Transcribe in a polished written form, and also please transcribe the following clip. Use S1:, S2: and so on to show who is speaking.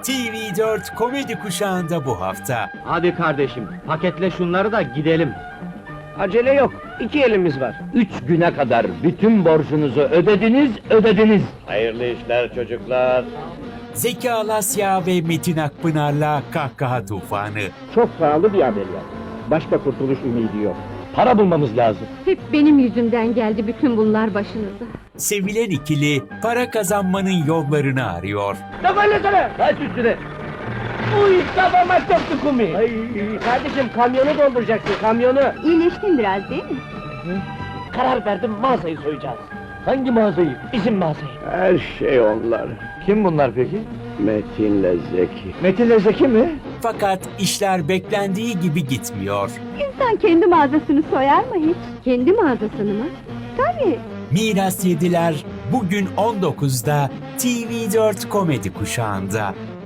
S1: TV4 komedi kuşağında bu hafta.
S2: Hadi kardeşim, paketle şunları da gidelim.
S3: Acele yok, 2 elimiz var.
S2: 3 güne kadar bütün borcunuzu ödediniz.
S3: Hayırlı işler çocuklar.
S1: Zeki Alasya ve Metin Akpınar'la kahkaha tufanı.
S3: Çok pahalı bir ameliyat. Başka kurtuluş ümidi yok.
S2: Para bulmamız lazım.
S4: Hep benim yüzümden geldi bütün bunlar başınıza.
S1: Sevilen ikili para kazanmanın yollarını arıyor.
S3: Ne böyle sana?
S2: Kaç üstüne.
S3: Uy, kafama çöktü kumi. Ay, kardeşim kamyonu dolduracaksın, kamyonu.
S4: İyileştin biraz değil mi?
S3: Karar verdim, mağazayı soyacağız.
S2: Hangi mağazayı?
S3: Bizim mağazayı.
S5: Her şey onlar.
S2: Kim bunlar peki?
S5: Metin'le Zeki.
S2: Metin'le Zeki mi?
S1: Fakat işler beklendiği gibi gitmiyor.
S4: İnsan kendi mağazasını soyar mı hiç? Kendi mağazasını mı? Tabii.
S1: Miras Yediler bugün 19'da TV4 komedi kuşağında.